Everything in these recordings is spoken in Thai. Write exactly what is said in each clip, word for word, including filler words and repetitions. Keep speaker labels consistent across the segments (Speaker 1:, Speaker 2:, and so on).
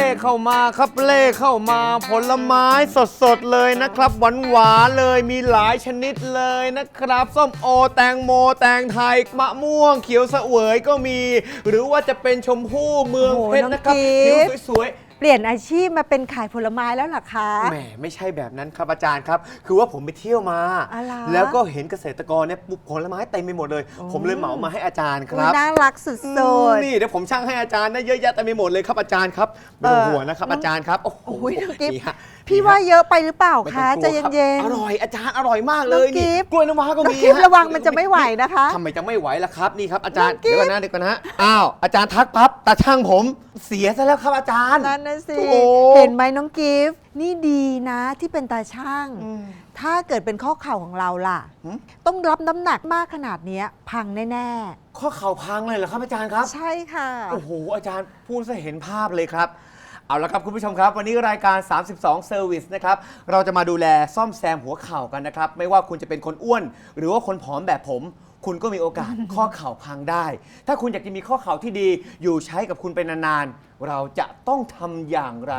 Speaker 1: เข้ามาครับเล่เข้ามาผลไม้สดๆเลยนะครับหวานหวานเลยมีหลายชนิดเลยนะครับส้มโอแตงโมแตงไทยมะม่วงเขียวเสวยก็มี หรือว่าจะเป็นชมพู่เมืองเพชรนะครับผิวสวย
Speaker 2: เปลี่ยนอาชีพมาเป็นขายผลไม้แล้วเหรอคะ
Speaker 1: แหมไม่ใช่แบบนั้นครับอาจารย์ครับคือว่าผมไปเที่ยวมา แล้วก็เห็นเกษตรกรเนี่ยปลูกผลไม้เต็มไปหมดเลยผมเลยเหมามาให้อาจารย์ครับ
Speaker 2: น่ารักสุดๆ
Speaker 1: นี่เดี๋ยวผมช่างให้อาจารย์ได้เยอะแยะเต็มไปหมดเลยครับอาจารย์ครับไม่ต้องห่วงนะครับอาจารย์ครับโอ้โห
Speaker 2: พี่ว่าเยอะไปหรือเปล่าคะใจเย็น
Speaker 1: ๆอร่อยอาจารย์อร่อยมากเลยนี่กล้วยน้ำว้าก็มี
Speaker 2: ระวังมันจะไม่ไหวนะคะ
Speaker 1: ทำไมจะไม่ไหวล่ะครับนี่ครับอาจารย์เดี๋ยวก่อนนะเดี๋ยวก่อนนะอ้าวอาจารย์ทักปั๊บตาช่างผมเสียซะแล้วครับอาจารย์
Speaker 2: นั่นนะสิเห็นไหมน้องกิฟต์นี่ดีนะที่เป็นตาช่างถ้าเกิดเป็นข้อเข่าของเราล่ะต้องรับน้ำหนักมากขนาดนี้พังแน่
Speaker 1: ๆข้อเข่าพังเลยเหรอครับอาจารย์ครับ
Speaker 2: ใช่ค่ะ
Speaker 1: โอ้โหอาจารย์พูดซะเห็นภาพเลยครับเอาละครับคุณผู้ชมครับวันนี้รายการสามสิบสอง Service นะครับเราจะมาดูแลซ่อมแซมหัวเข่ากันนะครับไม่ว่าคุณจะเป็นคนอ้วนหรือว่าคนผอมแบบผมคุณก็มีโอกาส ข้อเข่าพังได้ถ้าคุณอยากจะมีข้อเข่าที่ดีอยู่ใช้กับคุณไปนานๆเราจะต้องทำอย่างไร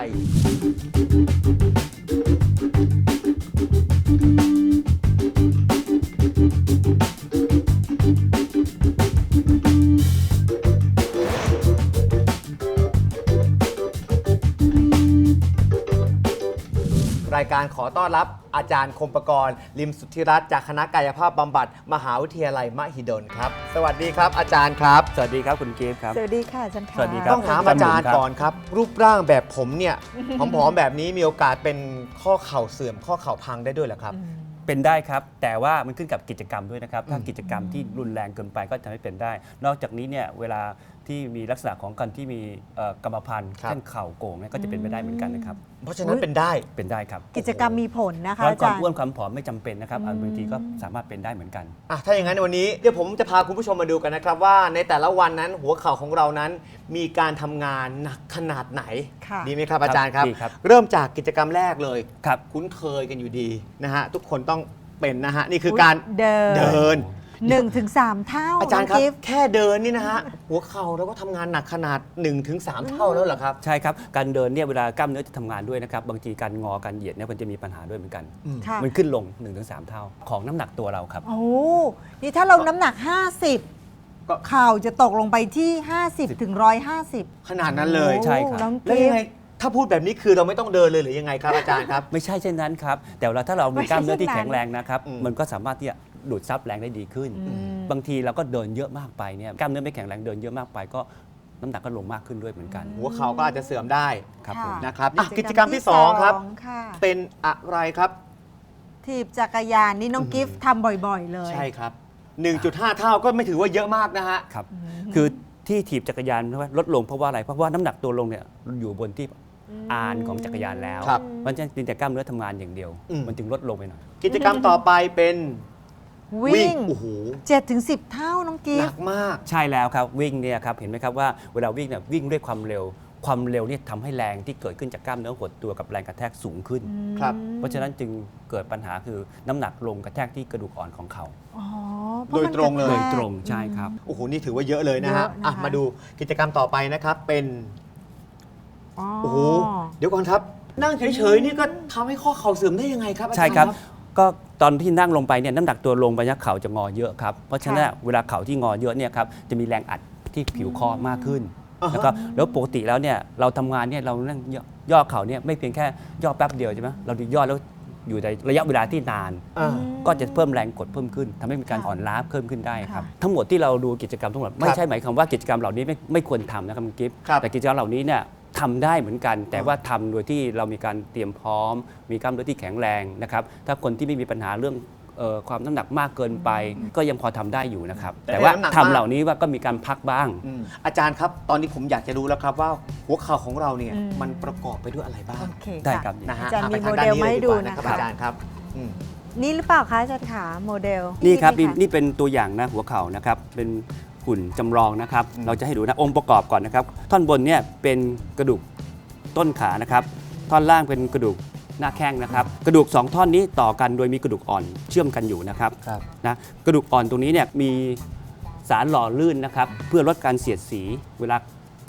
Speaker 1: รายการขอต้อนรับอาจารย์คมปกรณ์ลิมสุทธิรัตน์จากคณะกายภาพบำบัดมหาวิทยาลัยมหิดลครับสวัสดีครับอาจารย์ครับ
Speaker 3: สวัสดีครับคุณเกฟครับ
Speaker 2: สวัสดีค่ะอาจารย์
Speaker 3: สวัสดีครับ
Speaker 1: ต้องถามอาจารย์ก่อนครับรูปร่างแบบผมเนี่ยผอมๆแบบนี้มีโอกาสเป็นข้อเข่าเสื่อมข้อเข่าพังได้ด้วยเหรอครับ
Speaker 3: เป็นได้ครับแต่ว่ามันขึ้นกับกิจกรรมด้วยนะครับถ้ากิจกรรมที่รุนแรงเกินไปก็จะไม่เป็นได้นอกจากนี้เนี่ยเวลาที่มีลักษณะของการที่มีกรรมพันธุ์เช่นเข่าโก่งเนี่ยก็จะเป็นไปได้เหมือนกันนะครับ
Speaker 1: เพราะฉะนั้นเป็นได้
Speaker 3: เป็นได้ครับ
Speaker 2: กิจกรรมมีผลนะคะอา
Speaker 3: จารย์
Speaker 2: ความ
Speaker 3: อ้วนความผอมไม่จำเป็นนะครับบางทีก็สามารถเป็นได้เหมือนกัน
Speaker 1: อ่ะถ้าอย่างนั้นวันนี้เดี๋ยวผมจะพาคุณผู้ชมมาดูกันนะครับว่าในแต่ละวันนั้นหัวเข่าของเรานั้นมีการทำงานหนักขนาดไหนดีไหมครับอาจารย์ครับเริ่มจากกิจกรรมแรกเลย
Speaker 3: ครับ
Speaker 1: คุ้นเคยกันอยู่ดีนะฮะทุกคนต้องเป็นนะฮะนี่คือการ
Speaker 2: เดิน
Speaker 1: เดิน
Speaker 2: หนึ่งถึงสามเท่า
Speaker 1: อาจารย์ครับแค่เดินนี่นะฮะหัวเข่าเราก็ทำงานหนักขนาด หนึ่งถึงสาม เท่าแล้วเหรอครับ
Speaker 3: ใช่ครับการเดินเนี่ยเวลากล้ามเนื้อจะทำงานด้วยนะครับบางทีการงอการเหยียดเนี่ยมันจะมีปัญหาด้วยเหมือนกันมันขึ้นลง หนึ่งถึงสาม เท่าของน้ำหนักตัวเราครับ
Speaker 2: โอ้นี่ถ้าเราน้ำหนักห้าสิบก็เข่าจะตกลงไปที่ห้าสิบถึงหนึ่งร้อยห้าสิบ
Speaker 1: ขนาดนั้นเลย
Speaker 3: ใช่ครับ
Speaker 1: แล้วยังไงถ้าพูดแบบนี้คือเราไม่ต้องเดินเลยหรือยังไงครับอาจารย์ครับ
Speaker 3: ไม่ใช่เช่นนั้นครับแต่เวลาถ้าเรามีกล้ามเนื้อที่แข็งแรงนะครับมันก็สามารถที่จะดูดซับแรงได้ดีขึ้นบางทีเราก็เดินเยอะมากไปเนี่ยกล้ามเนื้อไม่แข็งแรงเดินเยอะมากไปก็น้ำหนักก็ลงมากขึ้นด้วยเหมือนกัน
Speaker 1: หัวเข่าก็อาจจะเสื่อมได้
Speaker 3: ครับ
Speaker 1: นะครับกิจกรรมที่สองครับเป็นอะไรครับ
Speaker 2: ถีบจักรยานนี่น้องกิฟต์ทำบ่อยๆเลย
Speaker 1: ใช่ครับ หนึ่งจุดห้า เท่าก็ไม่ถือว่าเยอะมากนะฮะ
Speaker 3: ครับคือที่ถีบจักรยานลดลงเพราะว่าอะไรเพราะว่าน้ำหนักตัวลงเนี่ยอยู่บนที่อานของจักรยานแล้วมันจะเป็นแต่กล้ามเนื้อทำงานอย่างเดียวมันจึงลดลงไปหน่อย
Speaker 1: กิจกรรมต่อไปเป็น
Speaker 2: วิ่งโอ้โหเจ็ดถึงสิบ เท่าน้องกิฟต์
Speaker 1: หนักมาก
Speaker 3: ใช่แล้วครับวิ่งเนี่ยครับเห็นไหมครับว่าเวลาวิ่งเนี่ยวิ่งด้วยความเร็วความเร็วเนี่ยทำให้แรงที่เกิดขึ้นจากกล้ามเนื้อหดตัวกับแรงกระแทกสูงขึ้น
Speaker 1: ครับ
Speaker 3: เพราะฉะนั้นจึงเกิดปัญหาคือน้ำหนักลงกระแทกที่กระดูกอ่อนของเขา
Speaker 1: โดยตรงเลย
Speaker 3: โดยตรงใช่ครับ
Speaker 1: โอ้โหนี่ถือว่าเยอะเลยนะฮะมาดูกิจกรรมต่อไปนะครับเป็นโอ้โหเดี๋ยวก่อนครับนั่งเฉยๆนี่ก็ทำให้ข้อเข่าเสื่อมได้ยังไงครับ
Speaker 3: ใช่ครับก็ตอนที่นั่งลงไปเนี่ยน้ำหนักตัวลงไปเนี่ยเข่าจะงอเยอะครับเพราะฉะนั้นเวลาเข่าที่งอเยอะเนี่ยครับจะมีแรงอัดที่ผิวคอมากขึ้นแล้วก็แล้วปกติแล้วเนี่ยเราทำงานเนี่ยเรานั่งย่อเข่าเนี่ยไม่เพียงแค่ย่อแป๊บเดียวใช่ไหมเราย่อแล้วอยู่ในระยะเวลาที่นานก็จะเพิ่มแรงกดเพิ่มขึ้นทำให้มีการอ่อนล้าเพิ่มขึ้นได้ครับทั้งหมดที่เราดูกิจกรรมทั้งหมดไม่ใช่หมายความว่ากิจกรรมเหล่านี้ไม่ไม่ควรทำนะครับคุณกิฟต์แต่กิจกรรมเหล่านี้เนี่ยทำได้เหมือนกันแต่ว่าทำโดยที่เรามีการเตรียมพร้อมมีกล้ามเนื้อที่แข็งแรงนะครับถ้าคนที่ไม่มีปัญหาเรื่องความน้ำหนักมากเกินไปก็ยังพอทำได้อยู่นะครับแต่ว่าทำเหล่านี้ว่าก็มีการพักบ้าง
Speaker 1: อาจารย์ครับตอนนี้ผมอยากจะรู้แล้วครับว่าหัวเข่าของเราเนี่ยมันประกอบไปด้วยอะไรบ้าง
Speaker 3: ได้ครับ
Speaker 1: นะฮะ
Speaker 2: อาจารย์มีโมเดลมาให้ดู
Speaker 1: นะครับอาจารย์ครับ
Speaker 2: นี่หรือเปล่าคะอาจารย์ขาโมเดล
Speaker 3: นี่ครับนี่เป็นตัวอย่างนะหัวเข่านะครับเป็นหุ่นจำลองนะครับเราจะให้ดูนะองค์ประกอบก่อนนะครับท่อนบนเนี่ยเป็นกระดูกต้นขานะครับท่อนล่างเป็นกระดูกหน้าแข้งนะครับกระดูกสองท่อนนี้ต่อกันโดยมีกระดูกอ่อนเชื่อมกันอยู่นะครับนะกระดูกอ่อนตรงนี้เนี่ยมีสารหล่อลื่นนะครับเพื่อลดการเสียดสีเวลา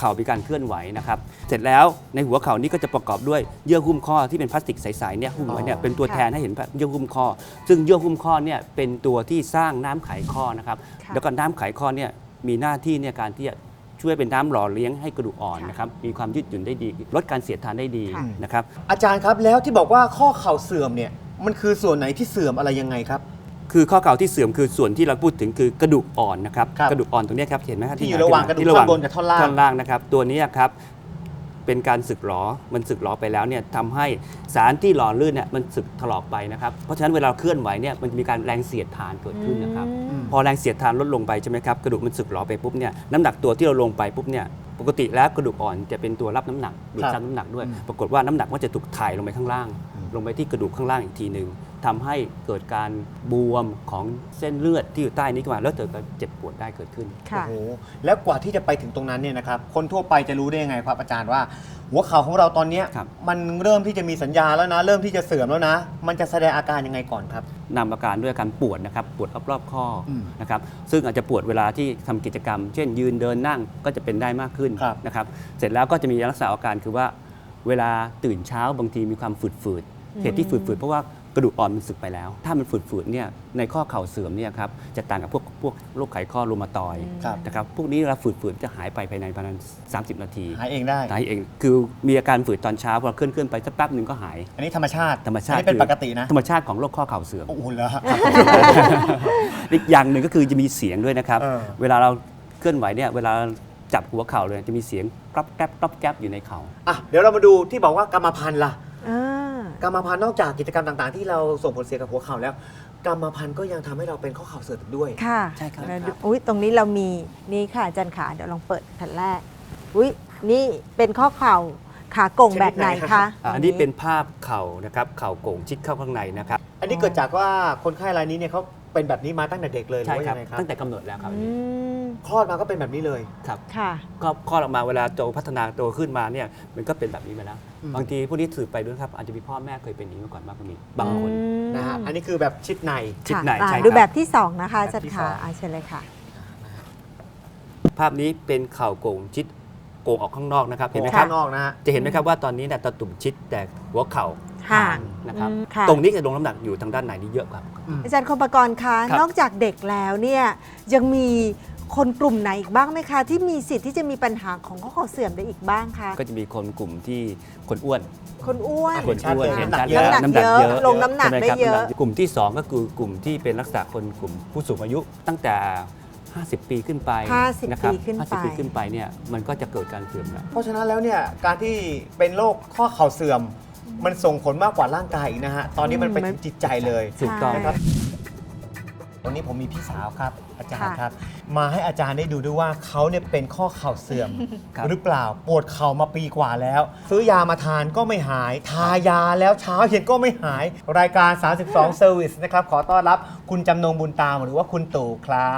Speaker 3: เข่ามีการเคลื่อนไหวนะครับเสร็จแล้วในหัวเข่านี้ก็จะประกอบด้วยเยื่อหุ้มข้อที่เป็นพลาสติกใสๆเนี่ยหุ้มไว้เนี่ยเป็นตัวแทนให้เห็นเยื่อหุ้มข้อ ซึ่งเยื่อหุ้มข้อเนี่ยเป็นตัวที่สร้างน้ำไขข้อนะครับ
Speaker 2: ค่ะ
Speaker 3: แล้วก็น้ำไขข้อเนี่ยมีหน้าที่ในการที่จะช่วยเป็นน้ำหล่อเลี้ยงให้กระดูกอ่อน
Speaker 2: ค่ะ
Speaker 3: นะครับมีความยืดหยุ่นได้ดี ลดการเสียดทานได้ดี
Speaker 2: ค่ะ
Speaker 3: นะครับ
Speaker 1: อาจารย์ครับแล้วที่บอกว่าข้อเข่าเสื่อมเนี่ยมันคือส่วนไหนที่เสื่อมอะไรยังไงครับ
Speaker 3: คือข้อเข่าที่เสื่อมคือส่วนที่เราพูดถึงคือกระดูกอ่อนนะครับ
Speaker 1: ครับ
Speaker 3: กระดูกอ่อนตรงเนี้ยครับเห็นไหมครับ
Speaker 1: ที่อยู่ระหว่างกระดูก
Speaker 3: ที่
Speaker 1: ท่อนบนกับท่อนล่าง
Speaker 3: ท่อนล่างนะครับตัวนี้ครับเป็นการสึกหรอมันสึกหรอไปแล้วเนี่ยทำให้สารที่หล่อลื่นเนี่ยมันสึกถลอกไปนะครับเพราะฉะนั้นเวลาเคลื่อนไหวเนี่ยมันจะมีการแรงเสียดทานเกิดขึ้นนะครับ
Speaker 2: อืม
Speaker 3: พอแรงเสียดทานลดลงไปใช่ไหมครับกระดูกมันสึกหรอไปปุ๊บเนี่ยน้ำหนักตัวที่เราลงไปปุ๊บเนี่ยปกติแล้วกระดูกอ่อนจะเป็นตัวรับน้ำหนักดูดซับน้ำหนักด้วย ปรากฏว่าน้ำหนักมันจะถูกถ่ายลงไปข้างล่าง ลงไปที่กระดูกข้างล่างอีกทีหนึ่งทำให้เกิดการบวมของเส้นเลือดที่อยู่ใต้นี้ขึ้นมาแล้วเกิดการเจ็บปวดได้เกิดขึ้น
Speaker 2: ค่ะ
Speaker 1: โอ้โหแล้วกว่าที่จะไปถึงตรงนั้นเนี่ยนะครับคนทั่วไปจะรู้ได้ยังไงครับอาจารย์ว่า หัวเข่าของเราตอนเนี้ย
Speaker 3: ครับ
Speaker 1: มันเริ่มที่จะมีสัญญาณแล้วนะ เริ่มที่จะเสื่อมแล้วนะ มันจะแสดงอาการยังไงก่อนครับ
Speaker 3: นำอาการด้วยอาการปวดนะครับปวดรอบๆข้ออ
Speaker 1: ม
Speaker 3: นะครับซึ่งอาจจะปวดเวลาที่ทำกิจกรรม เช่นยืนเดินนั่งก็จะเป็นได้มากขึ้น
Speaker 1: ครับ
Speaker 3: นะครับเสร็จแล้วก็จะมีลักษณะอาการคือว่าเวลาตื่นเช้าบางทีมีความฝืดๆเหตุที่ฝืดๆเพราะว่ากระดูกอ่อนมันสึกไปแล้ว ถ้ามันฝืดๆเนี่ยในข้อเข่าเสื่อมเนี่ยครับจะต่างกับพวกพวกโรคไขข้อรูมาตอยด์
Speaker 1: ครับ
Speaker 3: นะครับพวกนี้เวลาฝืดๆจะหายไปภายในประมาณสามสิบนาที
Speaker 1: หายเองได้
Speaker 3: หายเองคือมีอาการฝืดตอนเช้าพอเคลื่อนเคลื่อนๆไปสักแป๊บหนึ่งก็หาย
Speaker 1: อันนี้ธรรมชาติ
Speaker 3: ธรรมชาติ
Speaker 1: อันนี้เป็น
Speaker 3: คือ
Speaker 1: ปกตินะ
Speaker 3: ธรรมชาติของโรคข้อเข่าเสื่อม
Speaker 1: โอ้โหเหรอ
Speaker 3: อีกอย่างหนึ่งก็คือจะมีเสียงด้วยนะครับ
Speaker 1: เออ
Speaker 3: เวลาเราเคลื่อนไหวเนี่ยเวลาจับหัวเข่าเลยจะมีเสียงกรับแกรบกรับแกรบอยู่ในเข่า
Speaker 1: อ่ะเดี๋ยวเรามาดูที่บอกว่ากรรมพันธุ์ล่ะ
Speaker 2: อ่า
Speaker 1: กรรมพันธุ์นอกจากกิจกรรมต่างๆ ที่เราส่งผลเสียกับหัวเข่าแล้ว กรรมพันธุ์ก็ยังทำให้เราเป็นข้อเข่าเสื่อมอีกด้วย
Speaker 2: ค่ะ
Speaker 3: ใช่ครับ
Speaker 2: แล้วดูอุ้ยตรงนี้เรามีนี่ค่ะอาจารย์ขาเดี๋ยวลองเปิดแผ่นแรก อุ้ยนี่เป็นข้อเข่าขาโก่งแบบไหนคะ
Speaker 3: อ่าอันนี้เป็นภาพเข่านะครับเข่าโก่งชิดเข้าข้างในนะครับ
Speaker 1: อันนี้เกิดจากว่าคนไข้รายนี้เนี่ยเขาเป็นแบบนี้มาตั้งแต่เด็กเลยหรือ
Speaker 3: ใช่
Speaker 1: ว่า
Speaker 3: ครั
Speaker 1: ยั
Speaker 3: บ
Speaker 1: งไงครับ
Speaker 3: ตั้งแต่กำเนิดแล้วครับ
Speaker 2: อืม
Speaker 1: คลอดมาก็เป็นแบบนี้เลย
Speaker 3: ครับ
Speaker 2: ค่ะ
Speaker 3: ก็คลอดออกมาเวลาโตพัฒนาโตขึ้นมาเนี่ยมันก็เป็นแบบนี้ไปแล้ว
Speaker 1: อืม
Speaker 3: บางทีพวกนี้สืบไปด้วยครับอาจจะมีพ่อแม่เคยเป็นอย่างนี้มาก่อนบ้างก็มีบางคน
Speaker 1: นะฮะอันนี้คือแบบชิดใน
Speaker 3: ชิด
Speaker 2: ค่ะ
Speaker 3: ใน
Speaker 2: อ่า
Speaker 3: ใช่ครับ
Speaker 2: ดูแบบที่สองนะคะอา
Speaker 1: แบบ
Speaker 2: จาร
Speaker 1: ที่
Speaker 2: ย์
Speaker 1: ส
Speaker 2: ขา
Speaker 1: อง
Speaker 2: อาเชิญเลยค่ะ
Speaker 3: ภาพนี้เป็นเข่าโก่งชิดโก่งออกข้างนอกนะครับเห็นไหมค
Speaker 1: ข้า
Speaker 3: รับ
Speaker 1: งนอกนะฮะ
Speaker 3: จะเห็นไหมครับว่าตอนนี้เนี่ยตะตุ่มชิดแต่หัวเข่า
Speaker 2: ห่าง
Speaker 3: นะครับ
Speaker 2: อืมค่ะ
Speaker 3: ตรงนี้จะลงน้ำหนักอยู่ทางด้านไหนนี่เยอะกว่า
Speaker 2: อาจารย์คมปกรณ์คะ
Speaker 3: ครับ
Speaker 2: นอกจากเด็กแล้วเนี่ยยังมีคนกลุ่มไหนอีกบ้างไหมคะ ที่มีสิทธิ์ที่จะมีปัญหาของข้อเข่าเสื่อมได้อีกบ้างคะ
Speaker 3: ก็จะมีคนกลุ่มที่คนอ้วน
Speaker 2: คนอ้วน
Speaker 3: คนอ้วน
Speaker 1: เห็
Speaker 3: เห็
Speaker 1: น
Speaker 3: น
Speaker 1: ชั
Speaker 3: ชั
Speaker 1: ด
Speaker 3: ด
Speaker 1: เยอะ
Speaker 3: แล้ว
Speaker 2: น้ำหนักเยอะลงน้ำหนัก
Speaker 3: ใช่ม
Speaker 2: ได้
Speaker 3: ครับ
Speaker 2: เยอะ
Speaker 3: น้ำหนักกลุ่มที่สองก็คือกลุ่มที่เป็นลักษณะคนกลุ่มผู้สูงอายุตั้งแต่ ห้าสิบ ปีขึ้นไป
Speaker 2: ห้าสิบ
Speaker 3: นะครับ
Speaker 2: ปีขึ้นไป
Speaker 3: ห้าสิบปีขึ้นไปเนี่ยมันก็จะเกิดการเสื่อมแล้ว
Speaker 1: เพราะฉะนั้นแล้วเนี่ยการที่เป็นโรคข้อเข่าเสื่อม มันส่งผลมากกว่าร่างกายอีกนะฮะ ตอนนี้มันไปถึงจิตใจเลย
Speaker 3: ถูกต้อง
Speaker 2: ใช่
Speaker 1: ครับ วันนี้ผมมีพี่สาวครับ อาจารย์
Speaker 2: ค่ะ
Speaker 1: ครับ มาให้อาจารย์ได้ดูด้วยว่าเขาเนี่ยเป็นข้อเข่าเสื่อม
Speaker 3: ครับ
Speaker 1: หรือเปล่าปวดเข่ามาปีกว่าแล้ว ซื้อยามาทานก็ไม่หาย ทายาแล้วเช้าเย็นก็ไม่หาย รายการ สามสิบสอง Service นะครับขอต้อนรับคุณจำนงบุญตามหรือว่าคุณตู่ครับ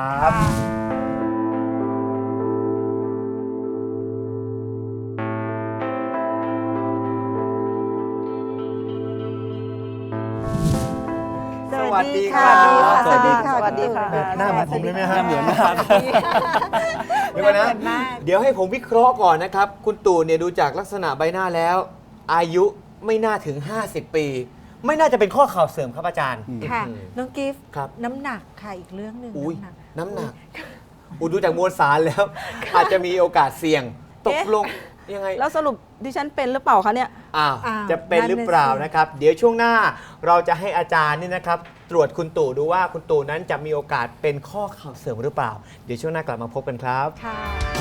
Speaker 2: สวัสดีค่ะ
Speaker 1: สวัสดีค่ะ
Speaker 2: สวัสดีค่ะ
Speaker 1: แบบหน้าเหมือนผมเลยไหมฮะ
Speaker 3: หน้าเหมือนมาก
Speaker 1: เดี๋ยวก่อนนะ
Speaker 2: หน้าเหมือนมาก
Speaker 1: เดี๋ยวให้ผมวิเคราะห์ก่อนนะครับ คุณตู่เนี่ยดูจากลักษณะใบหน้าแล้ว อายุไม่น่าถึง ห้าสิบ ปี ไม่น่าจะเป็นข้อเข่าเสื่อมครับอาจารย์
Speaker 2: ค่ะ
Speaker 1: อืม
Speaker 2: น้องกิฟต์
Speaker 1: ครับ
Speaker 2: น้ำหนักค่ะอีกเรื่องหนึ่ง
Speaker 1: อุ้ย
Speaker 2: น้ำหนัก
Speaker 1: น้ำหนักอุยดูจากมวลสารแล้ว อาจจะมีโอกาสเสี่ยง ตก
Speaker 4: เอ๊ะ
Speaker 1: ลงยังไง
Speaker 4: แล้วสรุปดิฉันเป็นหรือเปล่าคะเนี่ย
Speaker 1: อ้าว
Speaker 2: อ้าว
Speaker 1: จะเป็นหรือเปล่า
Speaker 2: นั่นน่ะสิ
Speaker 1: นะครับ เดี๋ยวช่วงหน้าเราจะให้อาจารย์นี่นะครับ ตรวจคุณตู่ดูว่าคุณตู่นั้นจะมีโอกาสเป็นข้อเข่าเสื่อมหรือเปล่า เดี๋ยวช่วงหน้ากลับมาพบกันครับ
Speaker 2: ค่ะ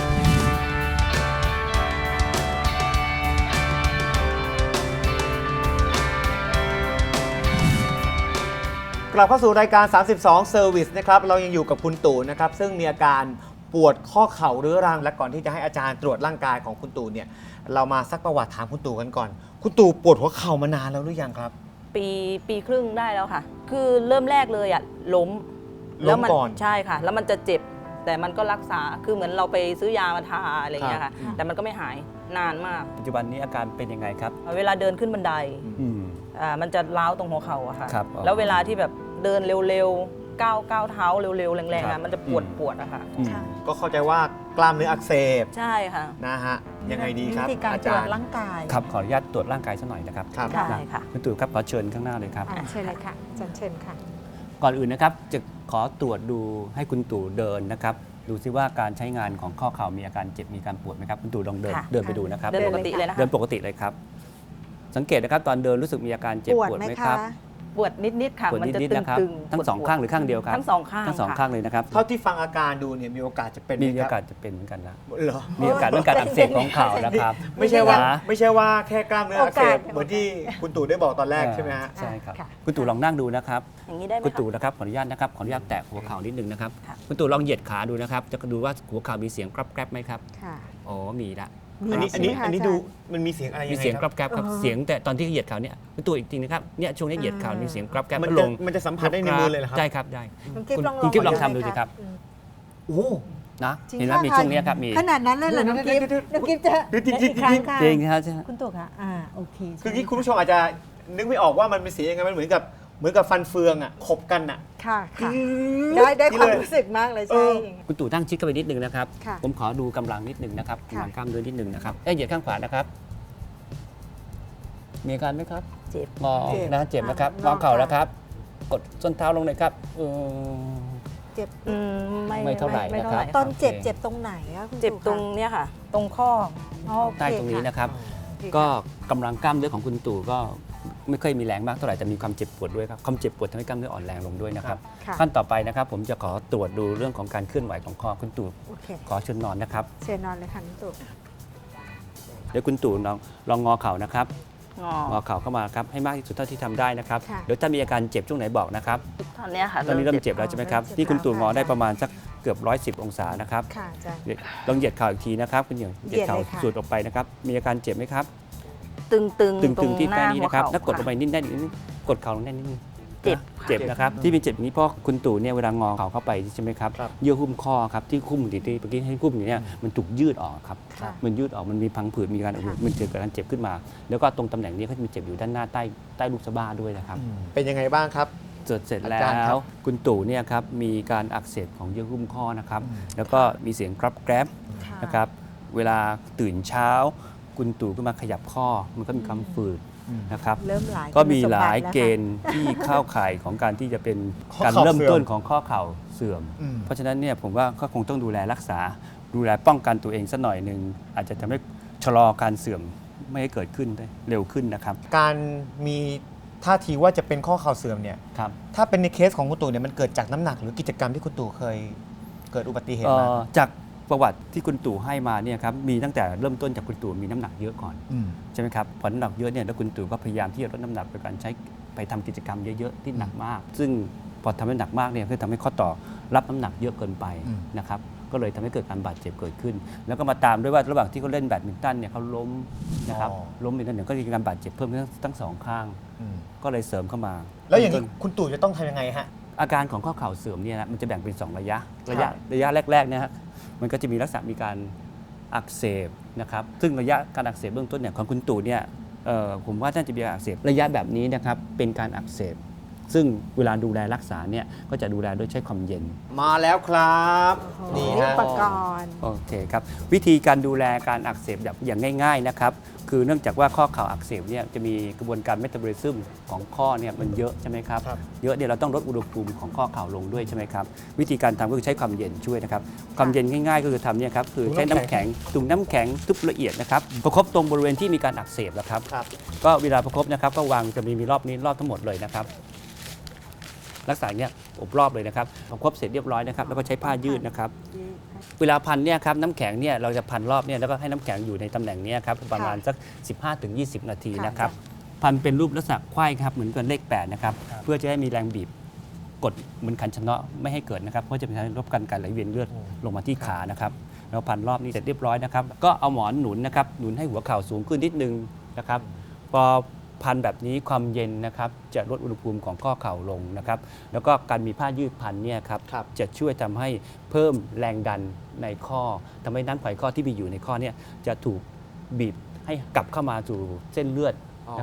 Speaker 1: กลับเข้าสู่รายการ สามสิบสอง Service นะครับ เรายังอยู่กับคุณตู่นะครับ ซึ่งมีอาการปวดข้อเข่าเรื้อรัง และก่อนที่จะให้อาจารย์ตรวจร่างกายของคุณตู่เนี่ย เรามาซักประวัติถามคุณตู่กันก่อน คุณตู่ปวดหัวเข่ามานานแล้วหรือยังครับ
Speaker 4: ปีปีครึ่งได้แล้วค่ะ คือเริ่มแรกเลยอะล้ม
Speaker 1: ล้ม
Speaker 4: มั
Speaker 1: ก่อน
Speaker 4: ใช่ค่ะ แล้วมันจะเจ็บ แต่มันก็รักษาคือเหมือนเราไปซื้อยามาทาอะไรอย่างเงี้ย
Speaker 1: ครั
Speaker 4: ค่ะ
Speaker 1: บ
Speaker 4: แต่มันก็ไม่หายนานมาก
Speaker 3: ปัจจุบันนี้อาการเป็นยังไงครับ
Speaker 4: เวลาเดินขึ้นบันได
Speaker 3: อืม
Speaker 4: อ่ามันจะร้าวตรงหัวเข่าอะค่ะ
Speaker 3: ครับอ๋อ
Speaker 4: แล้วเวลาที่แบบเดินเร็วๆก้าวก้าวเท้าเร็วๆแรงๆ
Speaker 3: ครั
Speaker 4: อะ
Speaker 3: บ
Speaker 4: มันจะปวดปวดอะค่ะ
Speaker 3: อืม
Speaker 2: ค่ะ
Speaker 1: ก็เข้าใจว่ากล้ามเนื้ออักเสบ
Speaker 4: ใช่ค่ะ
Speaker 1: นะฮะยังไงดีครับ
Speaker 2: วิธีการ
Speaker 1: อา
Speaker 2: ตรว
Speaker 1: จา
Speaker 2: จ
Speaker 1: รย์
Speaker 2: ร่างกาย
Speaker 3: ครับขออนุญาตตรวจร่างกายสักหน่อยนะครับ
Speaker 1: ครับ
Speaker 4: ได้ค่ะ
Speaker 3: คุณตู่ครับขอเชิญข้างหน้าเลยครับ
Speaker 2: อ่ะเชิญเลยค่ะอาจารย์เชิญค่ะ
Speaker 3: ก่อนอื่นนะครับจะขอตรวจดูให้คุณตู่เดินนะครับดูซิว่าการใช้งานของข้อเข่ามีอาการเจ็บมีการปวดไหมครับคุณตู่ลองเดิน
Speaker 4: ค่ะ
Speaker 3: เดินไปดูนะครับ
Speaker 4: เดินปกติเลยนะคะ
Speaker 3: เดินปกติเลยครับ สังเกตนะครับตอนเดินรู้สึกมีอาการเจ็บ
Speaker 2: ปวด
Speaker 3: ปวด
Speaker 2: ไหม
Speaker 3: ไหมค
Speaker 2: คะ
Speaker 3: รับ
Speaker 4: ปวดนิดๆค่ะ
Speaker 3: ปวด
Speaker 4: มันจะ
Speaker 3: นิด
Speaker 4: ตึ
Speaker 3: ๆนะครับ
Speaker 4: งๆ
Speaker 3: ทั้งสอง
Speaker 4: ปวดๆ
Speaker 3: ข้างหรือข้างเดียวครับ
Speaker 4: ทั้งสองข้าง
Speaker 3: ทั้งสอง
Speaker 4: ค่ะ
Speaker 3: ข้างเลยนะครับ
Speaker 1: เท่าที่ฟังอาการดูเนี่ยมีโอกาสจะเป็นไห
Speaker 3: มี
Speaker 1: ม
Speaker 3: โอ
Speaker 1: ค
Speaker 3: กา
Speaker 1: รั
Speaker 3: ส
Speaker 1: บ
Speaker 3: จะเป็นเหมือนกันนะ
Speaker 1: เหรอ
Speaker 3: มีโอกาสเรื่องการอักเสบของเข่านะครับ
Speaker 1: ไม่ใช่ว่า
Speaker 3: นะ
Speaker 1: ไม่ใช่ว่าแค่กล้ามเนื้ออักเสบ
Speaker 2: โอกาส
Speaker 1: เหมือนที่คุณตู่ได้บอกตอนแรกใช่ไหมฮะ
Speaker 3: ใช่ครับ
Speaker 2: ค่ะ
Speaker 3: คุณตู่ลองนั่งดูนะครับ
Speaker 4: อย่างนี้ได้ไหม
Speaker 3: คุณ
Speaker 4: คะ
Speaker 3: ตู่นะครับขออนุญาตนะครับขออนุญาตแตะหัวเข่านิดนึงนะครับ
Speaker 4: ค่ะ
Speaker 3: คุณตู่ลองเหยียดขาดูนะครับ จะดูว่าหัวเข่ามีเสียงกรับแกรบไหมครับ
Speaker 2: ค่ะ
Speaker 3: อ๋อมีละ
Speaker 1: อันนี้อันนี้
Speaker 2: ใช่ไหมคะ
Speaker 1: อันนี้
Speaker 2: าจารย์
Speaker 1: ดูมันมีเสียงอะไร
Speaker 3: มี
Speaker 1: ยังไง
Speaker 3: เสียง
Speaker 1: ค
Speaker 3: ก
Speaker 1: รั
Speaker 3: รับ บแกรบครับ
Speaker 2: อ๋อ
Speaker 3: เสียงแต่ตอนที่เหยียดเข่าเนี่ยคุณตู่อีกทีนะครับเนี่ยช่วงนี้เหยียดเข่า
Speaker 2: อ่ามี
Speaker 3: มีเสียงกรับแกรบ
Speaker 1: มัน
Speaker 3: แล้ว
Speaker 1: จะ
Speaker 3: ลง
Speaker 1: มันจะสัมผัสได้ในมือเลยเหรอครับ
Speaker 3: ใช่ครับได้
Speaker 2: น้องกิ๊บ
Speaker 3: คุณ
Speaker 2: ลอง
Speaker 3: คุณกิ๊บลอง
Speaker 2: ได้
Speaker 3: ทำดูสิครับ
Speaker 2: อืม
Speaker 1: โอ้โห
Speaker 3: นะ
Speaker 2: จริง
Speaker 3: เห็นไหม
Speaker 2: ค่ะ
Speaker 3: มีช่วงเนี้ยครับมี
Speaker 2: ขนาดนั้นเลยเหรอน้องกิ๊บ
Speaker 1: เดี๋ยวๆๆ
Speaker 2: น้องกิ๊บจะ
Speaker 1: เดี๋ยวจริงๆ
Speaker 2: อีกครั้งค่ะ
Speaker 3: จริงครับใช่
Speaker 2: คุณตู่ค่ะอ่าโอเค
Speaker 1: คือ
Speaker 2: ใช่
Speaker 1: ที่คุณผู้ชมอาจจะนึกไม่ออกว่ามันเป็นเสียงยังไงมันเหมือนกับเหมือนกับฟันเฟืองอ่ะขบกันอ่ะ
Speaker 2: ค่ะค่ะ
Speaker 1: อืม
Speaker 2: ได้ได้ความ
Speaker 1: นี่เลย
Speaker 2: รู้สึกมากเลย
Speaker 1: เอ
Speaker 2: ใช่
Speaker 1: อ
Speaker 3: คุณตู่ตั้งชิดเข้าไปนิดนึงนะครับ
Speaker 2: ค่ะ
Speaker 3: ผมขอดูกำลังนิดนึงนะครับ
Speaker 2: ค่ะ
Speaker 3: กำลังกล้ามเนื้อนิดนึงนะครับเอ้ยเหยียดข้างขวานะครับ มีอาการไหมครับ
Speaker 4: เจ็บ
Speaker 3: งอนะเจ็บนะครับ
Speaker 2: อ่าง
Speaker 3: อเข่า
Speaker 2: ค่ะ
Speaker 3: แล้วครับ กดส้นเท้าลงเลยครับอืม
Speaker 2: เจ็บ
Speaker 4: อืมไม่
Speaker 3: ไม่เท่าไหร่
Speaker 4: ไม่
Speaker 3: นะ
Speaker 4: เท่า
Speaker 3: ค
Speaker 4: ไห
Speaker 3: รับ
Speaker 4: ร่
Speaker 2: ตอนเจ็บ
Speaker 3: โอเค
Speaker 2: เจ็บตรงไหนอะคุณ
Speaker 4: เจ็บ
Speaker 2: ตู่
Speaker 4: ตรงเนี้ยค่ะ ตรงข้อ
Speaker 2: อ๋อโอเค
Speaker 3: ใต้ตรงนี้นะครับ
Speaker 2: โอเค
Speaker 3: ก็
Speaker 2: ค่ะ
Speaker 3: กำลังกล้ามเนื้อของคุณตู่ก็ไม่ค่อยมีแรงมากเท่าไหร่แต่มีความเจ็บปวดด้วยครับความเจ็บปวดทำให้กล้ามเนื้ออ่อนแรงลงด้วยนะครับ
Speaker 2: ค่ะ
Speaker 3: ขั้นต่อไปนะครับ ผมจะขอตรวจดูเรื่องของการเคลื่อนไหวของคอคุณตู่
Speaker 2: โอเค
Speaker 3: ขอเชิญนอนนะครับ
Speaker 2: เชิญนอนเลยค่ะน้องตู่
Speaker 3: เดี๋ยวคุณตู่ลองลองงอเข่านะครับ
Speaker 4: งอง
Speaker 3: อเข่าเข้ามาครับให้มากที่สุดเท่าที่ทำได้นะครับ
Speaker 2: ค่ะ
Speaker 3: เดี๋ยวถ้ามีอาการเจ็บช่วงไหนบอกนะครับ
Speaker 4: ตอนเนี้ยค่ะ
Speaker 3: ตอนนี้เริ่มเจ็บแล้วใช่ไหมครับ
Speaker 2: เริ่มเจ็บ
Speaker 3: ที่คุณตู่งอ
Speaker 2: แล้วค่ะ
Speaker 3: ได้ประมาณสักเกือบร้อยสิบองศานะครับ
Speaker 2: ค่ะอาจารย์
Speaker 3: เดี๋ยวลองเหยียดเข่าอีกทีนะครับคุณเหยียดเหยียดเข่า
Speaker 2: เหยียดเลยค่ะ
Speaker 3: สูดออกไปนะครับมีอาการเจ็บไหมครับ
Speaker 4: ตึงตึง
Speaker 3: ตึง
Speaker 4: ตร
Speaker 3: ตึง
Speaker 4: ง
Speaker 3: ที่
Speaker 4: ห
Speaker 3: ใต้
Speaker 4: น้า
Speaker 3: นี้
Speaker 4: หัว
Speaker 3: นะครับ
Speaker 4: เข่า
Speaker 3: ถ้ากดลงไป
Speaker 4: ค่ะ
Speaker 3: นิดได้นิดนึงกดเข่าลงได้นิดนึง
Speaker 4: เจ็บ
Speaker 3: เจ็บนะครับที่เป็นเจ็บอย่างนี้เพราะคุณตู่เนี่ยเวลางอเข่าเข้าไปใช่ไหมครับ
Speaker 1: ครับ
Speaker 3: เยื่อหุ้มข้อครับที่หุ้มอยู่ที่เมื่อกี้ให้หุ้มอยู่เนี่ยมันถูกยืดออกครับ
Speaker 2: ค่ะ
Speaker 3: มันยืดออกมันมีพังผืดมีการ
Speaker 2: ค่ะ
Speaker 3: มันเกิดการเจ็บขึ้นมา แล้วก็ตรงตำแหน่งนี้ก็จะมีเจ็บอยู่ด้านหน้าใต้ใต้ลูกสะบ้าด้วยนะครับ
Speaker 1: เป็นยังไงบ้างครับ
Speaker 3: เสร็จเสร็จแล้
Speaker 1: อาจารย์ครั
Speaker 3: ว
Speaker 1: บ
Speaker 3: คุณตู่เนี่ยครับมีการอักเสบของเยื่อหุ้มข้อนะครับ แล้วก็มีเสียงกรับแกรบ
Speaker 2: ค่ะ
Speaker 3: นะครับ เวลาตื่นเช้า คุณตู่ก็มาขยับข้อ มันก็มีความฝืดนะครับ
Speaker 2: เริ่มหลาย
Speaker 3: ก็มีหลาย
Speaker 2: คุณสมบัติแวค่ะ
Speaker 3: เกณฑ์ที่เข้าข่ายของการที่จะเป็น
Speaker 1: ข้อ
Speaker 3: การ
Speaker 1: เข่า
Speaker 3: เริ่ม
Speaker 1: เสื่อม
Speaker 3: ต้นของข้อเข่าเสื่อม
Speaker 1: อืม
Speaker 3: เพราะฉะนั้นเนี่ยผมว่าก็คงต้องดูแลรักษา ดูแลป้องกันตัวเองสักหน่อยหนึ่งอาจจะทำให้ชะลอการเสื่อมไม่ให้เกิดขึ้นได้เร็วขึ้นนะครับ
Speaker 1: การมีท่าทีว่าจะเป็นข้อเข่าเสื่อมเนี่ย
Speaker 3: ครับ
Speaker 1: ถ้าเป็นในเคสของคุณตู่เนี่ยมันเกิดจากน้ำหนักหรือกิจกรรมที่คุณตู่เคยเกิดอุบัติเหตุ
Speaker 3: เอ่
Speaker 1: มา
Speaker 3: อจากประวัติที่คุณตู่ให้มาเนี่ยครับมีตั้งแต่เริ่มต้นจากคุณตู่มีน้ำหนักเยอะก่อน
Speaker 1: ม
Speaker 3: ใช่ไหมครับพอน้ำหนักเยอะเนี่ยแล้วคุณตู่ก็พยายามที่จะลดน้ำหนักโดยการใช้ไปทำกิจกรรมเยอะๆที่หนักมาก ซึ่งพอทำให้หนักมากเนี่ยก็ทำให้ข้อต่อรับน้ำหนักเยอะเกินไป
Speaker 1: อืม
Speaker 3: นะครับก็เลยทำให้เกิดการบาดเจ็บเกิดขึ้น แล้วก็มาตามด้วยว่าระหว่างที่เขาเล่นแบดมินตันเนี่ยเขาล้มนะครับล้มไปนั่นเนี่ยก็มีการบาดเจ็บเพิ่มขึ้นทั้งสองข้าง
Speaker 1: อืม
Speaker 3: ก็เลยเสริมเข้ามา
Speaker 1: แล้วอย่างนี้คุณตู่จะต้องทำยังไงฮะ
Speaker 3: อาการของข้อเข่าเสื่อมเนี่ยนะมันจะแบ่งเป็นสองระยะ ระยะ
Speaker 1: ครับ
Speaker 3: ระยะแรกๆเนี่ยฮะมันก็จะมีลักษณะมีการอักเสบนะครับซึ่งระยะการอักเสบเบื้องต้นเนี่ยของคุณตู่เนี่ยเอ่อผมว่าน่าจะมีการอักเสบระยะแบบนี้นะครับเป็นการอักเสบ ซึ่งเวลาดูแลรักษาเนี่ยก็จะดูแลโดยใช้ความเย็น
Speaker 1: มาแล้วครับ นี่
Speaker 2: นี่
Speaker 1: ฮะ
Speaker 2: อุปกรณ์
Speaker 3: โอเคครับวิธีการดูแลการอักเสบแบบอย่างง่ายๆนะครับคือเนื่องจากว่าข้อเข่าอักเสบเนี่ยจะมีกระบวนการเมตาบอลิซึมของข้อเนี่ยมันเยอะใช่ไหมครับ
Speaker 1: ครับ
Speaker 3: เยอะเนี่ยเราต้องลดอุณหภูมิของข้อเข่าลงด้วยใช่ไหมครับวิธีการทำก็คือใช้ความเย็นช่วยนะครับความเย็นง่ายๆก็คือทำเนี่ยครับคือใช้น้ำแข็งตุ่มน้ำแข็งทุบละเอียดนะครับประคบตรงบริเวณที่มีการอักเสบนะครับ
Speaker 1: ครับ
Speaker 3: ก็เวลาประคบนะครับก็วางจะมีมีรอบนี้รอบทั้งหมดเลยนะครับลักษณะเนี้ยอบรอบเลยนะครับประคบเสร็จเรียบร้อยนะครับแล้วก็ใช้ผ้ายืดนะครับ เวลาพันเนี่ยครับน้ำแข็งเนี่ยเราจะพันรอบเนี่ยแล้วก็ให้น้ำแข็งอยู่ในตำแหน่งเนี้ยครับประมาณสัก สิบห้าถึงยี่สิบ นาที
Speaker 2: ค่ะ
Speaker 3: นะครับพันเป็นรูปลักษณะไขว้ครับเหมือนกับเลขแปดนะครับเพื่อจะให้มีแรงบีบกดเหมือนขันชะเนาะไม่ให้เกิดนะครับเพราะจะเป็นการลดการการไหลเวียนเลือดลงมาที่ขานะครับแล้วพันรอบนี้เสร็จเรียบร้อยนะครับก็เอาหมอนหนุนนะครับหนุนให้หัวเข่าสูงขึ้นนิดนึงนะครับพอพันแบบนี้ความเย็นนะครับจะลดอุณหภูมิของข้อเข่าลงนะครับแล้วก็การมีผ้ายืดพันเนี่ยครับ
Speaker 1: ครับ
Speaker 3: จะช่วยทำให้เพิ่มแรงดันในข้อทำให้น้ำไขข้อที่มีอยู่ในข้อเนี่ยจะถูกบีบให้กลับเข้ามาสู่เส้นเลือด
Speaker 1: อ๋อ
Speaker 3: นะครับ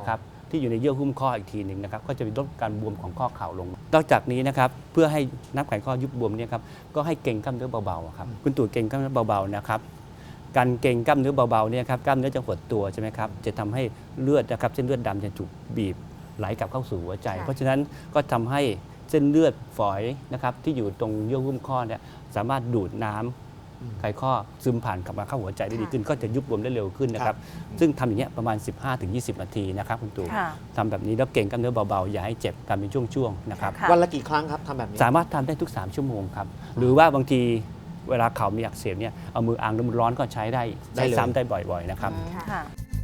Speaker 3: ที่อยู่ในเยื่อหุ้มข้ออีกทีหนึ่งนะครับก็จะลดการบวมของข้อเข่าลงนอกจากนี้นะครับเพื่อให้น้ำไขข้อยุบบวมเนี่ยครับก็ให้เกร็งกล้ามเนื้อเบาๆครับคุณตู่เกร็งกล้ามเนื้อเบาๆนะครับการเกร็งกล้ามเนื้อเบาๆเนี่ยครับกล้ามเนื้อจะหดตัวใช่ไหมครับจะทำให้เลือดนะครับเส้นเลือดดำจะถูกบีบไหลกลับเข้าสู่หัวใจ เพราะฉะนั้นก็ทำให้เส้นเลือดฝอยนะครับที่อยู่ตรงเยื่อหุ้มข้อเนี่ยสามารถดูดน้ำไขข้อซึมผ่านกลับมาเข้าหัวใจได้ดีขึ้นก็จะยุบบวมได้เร็วขึ้นนะครับซึ่งทำอย่างเงี้ยประมาณ สิบห้าถึงยี่สิบ นาทีนะครับคุณตู่
Speaker 4: ค่ะ
Speaker 3: ทำแบบนี้แล้วเก่งกล้ามเนื้อเบาๆอย่าให้เจ็บทำเป็นช่วงๆนะครับ
Speaker 4: ค่ะ
Speaker 1: วันละกี่ครั้งครับทำแบบนี้
Speaker 3: สามารถทำได้ทุก สาม ชั่วโมงครับหรือว่าบางทีเวลาเข่ามีอักเสบเนี่ยเอามืออังน้ำร้อนก็ใช้ได้
Speaker 1: ได้
Speaker 3: ได้
Speaker 1: เลย
Speaker 3: ซ้ำได้บ่อยๆนะครับ
Speaker 4: ค่ะ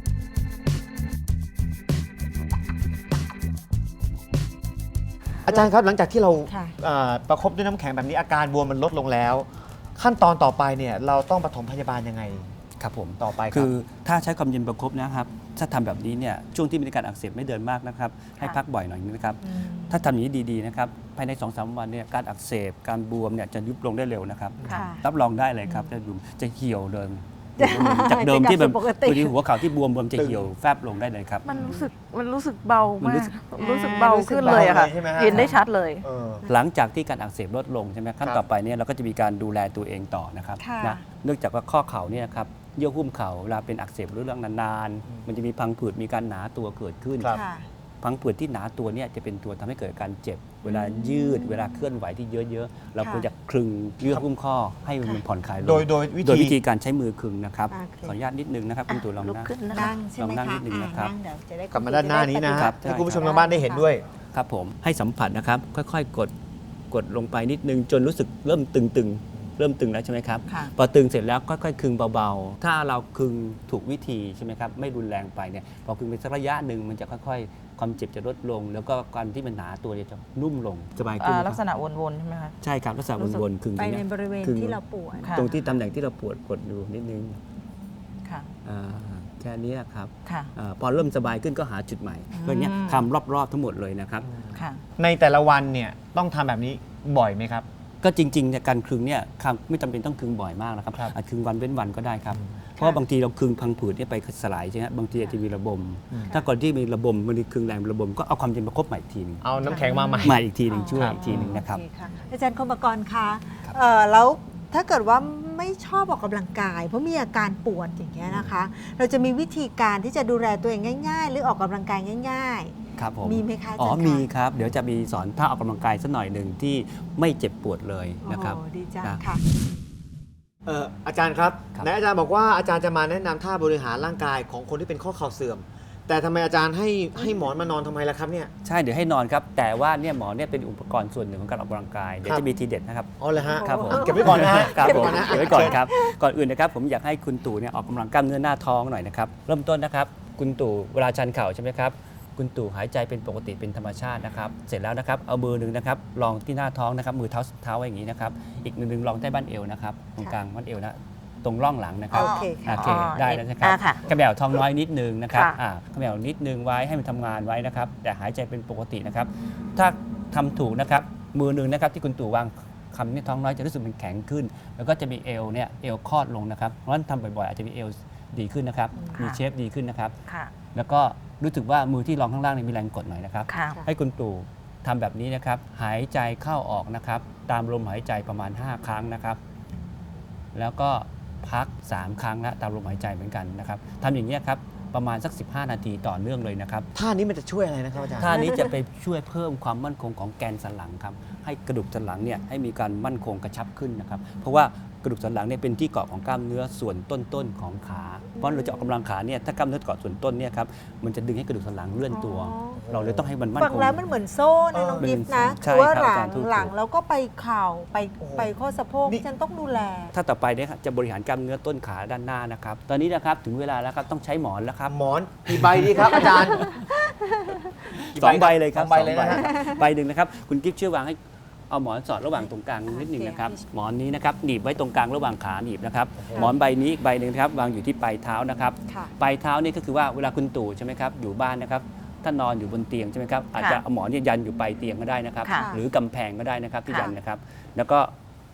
Speaker 1: อาจารย์ครับหลังจากที่เรา
Speaker 2: ค่ะ
Speaker 1: เอ่อประคบด้วยน้ำแข็งแบบนี้อาการบวมมันลดลงแล้ว ขั้นตอนต่อไปเนี่ยเราต้องปฐมพยาบาลยังไง
Speaker 3: ครับผม
Speaker 1: ต่อไปครับ
Speaker 3: คือถ้าใช้ความเย็นประคบนะครับถ้าทำแบบนี้เนี่ยช่วงที่มีอาการอักเสบไม่เดินมากนะครับให้พักบ่อยหน่อยนะครับถ้าทำอย่างนี้ดีๆนะครับภายใน สองถึงสาม วันเนี่ยการอักเสบการบวมเนี่ยจะยุบลงได้เร็วนะครับ
Speaker 2: ค่ะ
Speaker 3: รับรองได้เลยครับจะบวมจะเหี่ยวเดิมจากเดิมที่แบบ
Speaker 2: จะกลับสู่ปกติ
Speaker 3: บางทีหัวเข่าที่บวมบวมจะเหี่ยวแฟบลงได้เลยครับ
Speaker 5: มันรู้สึกมันรู้สึกเบา
Speaker 3: มัน
Speaker 5: มา
Speaker 3: รู้
Speaker 5: ก
Speaker 3: สึก
Speaker 5: รู้สึกเบาขึ้นเลยอะค่ะ
Speaker 1: เบาเลยใช่ไหมฮะ
Speaker 5: เห็นได้ชัดเลย
Speaker 1: เออ
Speaker 3: หลังจากที่การอักเสบลดลงใช่ไหมขั้น
Speaker 1: ครับ
Speaker 3: ต่อไปเนี่ยเราก็จะมีการดูแลตัวเองต่อนะครับ
Speaker 2: ค่ะ
Speaker 3: นะเนื่องจากว่าข้อเข่าเนี่ยนะครับเยื่อหุ้มเข่าเวลาเป็นอักเสบหรือเรื่องนานๆมันจะมีพังผืดมีการหนาตัวเกิดขึ้น
Speaker 1: ครับ
Speaker 2: ค่ะ
Speaker 3: พังผืดที่หนาตัวเนี่ยจะเป็นตัวทำให้เกิดการเจ็บ เวลายืดเวลาเคลื่อนไหวที่เยอะๆเรา
Speaker 2: ค่ะ
Speaker 3: ควรจะคลึงเยื่อหุ้มข้อให้มันผ่อนคลายลง
Speaker 1: โดยโดยวิ
Speaker 3: โดย
Speaker 1: ธี
Speaker 3: วิธีการใช้มือคลึงนะครับ
Speaker 2: โอเค
Speaker 3: ขออนุญาตนิดนึงนะครับคุณตู่ลอง
Speaker 5: ลุก
Speaker 3: นั่ง
Speaker 5: ขึ้นนะคะ
Speaker 2: นั่งใช่ไหม
Speaker 3: ลองนั่ง
Speaker 2: คะ
Speaker 3: นิดนึงนะครับ
Speaker 2: อ่านั่งเดี๋ยวจะได้
Speaker 1: กลับมาด้านหน้านี้นะ
Speaker 3: ครั
Speaker 1: ฮะ
Speaker 3: บ
Speaker 1: ให้คุณผู้ชมทางบ้านได้เห็นด้วย
Speaker 3: ครับผมให้สัมผัสนะครับค่อยๆ กดกดลงไปนิดนึงจนรู้สึกเริ่มตึงๆ เริ่มตึงแล้วใช่ไหมครับ
Speaker 2: ค่ะ
Speaker 3: พอตึงเสร็จแล้วค่อยๆคึงเบาๆ ถ้าเราคึงถูกวิธีใช่ไหมครับไม่รุนแรงไปเนี่ยพอคึงไปสักระยะหนึ่งมันจะค่อยๆ ความเจ็บจะลดลง แล้วก็การที่มันหนาตัวเนี่ยจะนุ่มลงสบายขึ้น
Speaker 5: อ่า
Speaker 3: นะ
Speaker 5: ลัก
Speaker 3: ค
Speaker 5: ษ
Speaker 3: รับ
Speaker 5: ณะวนๆใช่ไหมคะ
Speaker 3: ใช่ครับลักษณะวนๆคึง
Speaker 2: ไป
Speaker 3: ตรง
Speaker 2: ใน
Speaker 3: เนี้ย
Speaker 2: บริเวณ
Speaker 3: คือ
Speaker 2: ที่เราปวด
Speaker 5: ค่ะ
Speaker 3: ตรงที่ตำแหน่งที่เราปวดกดดูนิดนึง
Speaker 5: ค่ะ
Speaker 3: อ่าแค่นี้นะครับ
Speaker 5: ค่ะ
Speaker 3: อาพอเริ่มสบายขึ้นก็หาจุดใหม่เพื่อเนี้ยทำรอบๆทั้งหมดเลยนะครับ
Speaker 5: ค่ะ
Speaker 1: ในแต่ละวันเนี่ยต้องทำแบบนี้บ่อยไหมครับ
Speaker 3: ก็จริงๆเนี่ยการคลึงเนี่ยครับไม่จำเป็นต้องคลึงบ่อยมากนะครับ
Speaker 1: ครับ
Speaker 3: อาจคลึงวันเว้นวันก็ได้ครับ เพราะว่าบางทีเราคลึงพังผืดเนี่ยไปสลายใช่ไหมบางทีอาจจะมีระบม ถ้าก่อนที่มีระบมมันมีคลึงแรงระบมก็เอาความเย็นมาคบใหม่อีกทีหนึง
Speaker 1: เอาน้ำแข็งมาใหม่
Speaker 3: มาอีกทีหนึ่งช่วย
Speaker 1: ครับ
Speaker 3: อีกทีหนึ่งนะครับ
Speaker 2: โอเค่ะอาจารย์คมกรคะเอ่อแล้วถ้าเกิดว่าไม่ชอบออกกำลังกาย เพราะมีอาการปวดอย่างเงี้ยนะคะ เราจะมีวิธีการที่จะดูแลตัวเองง่าย ๆ หรือออกกำลังกายง่าย
Speaker 3: ครับผม
Speaker 2: มีไหมคะอาจารย์
Speaker 3: อ๋อ
Speaker 2: คะ
Speaker 3: มีครับ เดี๋ยวจะมีสอนท่าออกกำลังกายสักหน่อยหนึ่งที่ไม่เจ็บปวดเลย
Speaker 2: ๆ
Speaker 3: นะครับ
Speaker 2: โอ้ดีจัง
Speaker 3: นะ
Speaker 2: ค่ะ
Speaker 1: เอ่ออาจารย์ครับ
Speaker 3: ครับ
Speaker 1: ไหนอาจารย์บอกว่าอาจารย์จะมาแนะนำท่าบริหารร่างกายของคนที่เป็นข้อเข่าเสื่อม แต่ทำไมอาจารย์ให้ให้หมอนมานอนทำไมล่ะครับเนี่ย
Speaker 3: ใช่เดี๋ยวให้นอนครับ แต่ว่าเนี่ยหมอเนี่ยเป็นอุปกรณ์ส่วนหนึ่งของการออกกำลังกาย เดี๋ยว
Speaker 1: ครับ
Speaker 3: จะมีทีเด็ดนะครับ
Speaker 1: อ๋อเลยฮะ
Speaker 3: ครับผม
Speaker 1: เก็บไว้ก่อนนะฮะ
Speaker 3: ครับผม
Speaker 1: เก็บไว้ก่อนนะ
Speaker 3: เก็บไว้ก่อนครับ ก่อนอื่นนะครับผมอยากให้คุณตู่เนี่ยออกกำลังกล้ามเนื้อหน้าท้องหน่อยนะครับ เริ่มต้นนะครับ คุณตู่เวลาชันเข่าใช่ไหมครับ คุณตู่หายใจเป็นปกติเป็นธรรมชาตินะครับ เสร็จแล้วนะครับเอามือหนึ่งนะครับลองที่หน้าท้องนะครับ มือเท้าเท้าไว้อย่างนี้นะครับ อีกมือหนึ่งลองใต้บั้นเอวนะครับ ตรงกลางบั้นเอวนะ ตรงร่องหลังนะครับ
Speaker 2: โอเคค่ะ
Speaker 3: โอเค
Speaker 5: อ๋อ
Speaker 3: ได้แล้วนะครับ
Speaker 5: อ่าค่ะ
Speaker 3: กระแบวท้องน้อยนิดนึงนะครับ
Speaker 5: ค่ะ
Speaker 3: อ่ากระแบวนิดนึงไว้ให้มันทำงานไว้นะครับ แต่หายใจเป็นปกตินะครับ ถ้าทำถูกนะครับ มือหนึ่งนะครับที่คุณตู่วางคำนี้ท้องน้อยจะรู้สึกมันแข็งขึ้น แล้วก็จะมีเอวเนี่ยเอวคลอดลงนะครับ เพราะฉะนั้นทำบ่อยๆอาจจะมีเอวดีขึ้นนะครับ
Speaker 5: ค่ะ
Speaker 3: มีเชฟดีขึ้นนะครับ
Speaker 5: ค่ะ
Speaker 3: แล้วก็รู้สึกว่ามือที่รองข้างล่างเนี่ยมีแรงกดหน่อยนะครับ
Speaker 5: ค่ะ
Speaker 3: ให้คุณตู่ทำแบบนี้นะครับ หายใจเข้าออกนะครับ ตามลมหายใจประมาณ ห้า ครั้งนะครับ แล้วก็พัก สาม ครั้งนะตามลมหายใจเหมือนกันนะครับทำอย่างนี้ยครับประมาณสัก สิบห้า นาทีต่อเนื่องเลยนะครับ
Speaker 1: ท่านี้มันจะช่วยอะไรนะครับอาจารย์
Speaker 3: ท่านี้จะไปช่วยเพิ่มความมั่นคงของแกนสันหลังครับ ให้กระดูกสันหลังเนี่ยให้มีการมั่นคงกระชับขึ้นนะครับ เพราะว่ากระดูกสันหลังเนี่ยเป็นที่เกาะของกล้ามเนื้อส่วนต้นๆของขา เพราะเราจะออกกำลังขาเนี่ยถ้ากล้ามเนื้อเกาะส่วนต้นเนี่ยครับมันจะดึงให้กระดูกสันหลังเลื่อนตัว
Speaker 2: อ๋อ
Speaker 3: เราเลยต้องให้มันมั่น
Speaker 2: ฟัง
Speaker 3: คง
Speaker 2: แล้วมันเหมือนโซ่นะน้อง
Speaker 1: เออ
Speaker 2: กิฟต์นะ
Speaker 3: ใช่
Speaker 2: คือว่า
Speaker 3: ครับ
Speaker 2: หลั
Speaker 3: อาง จารย์ถูก
Speaker 2: หลังแล้วก็ไปเข่าไป
Speaker 1: โอ้โห
Speaker 2: ไปข้อสะโพก
Speaker 1: นี่
Speaker 2: ฉันต้องดูแล
Speaker 3: ถ้าต่อไปเนี่ยครับจะบริหารกล้ามเนื้อต้นขาด้านหน้านะครับ ตอนนี้นะครับถึงเวลาแล้วครับต้องใช้หมอนแล้วครับ
Speaker 1: หมอนกี่ใบดีครับอาจารย์กี่
Speaker 3: สองใบเลยครับ
Speaker 1: สองใบเลยนะฮะ
Speaker 3: ใบหนึ่งนะครับคุณกิฟต์ช่วยวางให้เอาหมอนสอดระหว่างตรงกลางนิดหนึ่งนะครับหมอนนี้นะครับหนีบไว้ตรงกลางระหว่างขาหนีบนะครับหมอนใบนี้อีกใบหนึ่งนะครับวางอยู่ที่ปลายเท้านะครับ
Speaker 2: ค่ะ
Speaker 3: ปลายเท้านี่ก็คือว่าเวลาคุณตู่ใช่ไหมครับอยู่บ้านนะครับถ้านอนอยู่บนเตียงใช่ไหมครับอาจจะเอาหมอนเนี่ยยันอยู่ปลายเตียงก็ได้นะครับ
Speaker 5: ค่ะ
Speaker 3: หรือกำแพงก็ได้นะครับที่
Speaker 5: ค่ะ
Speaker 3: ยันนะครับ แล้วก็เ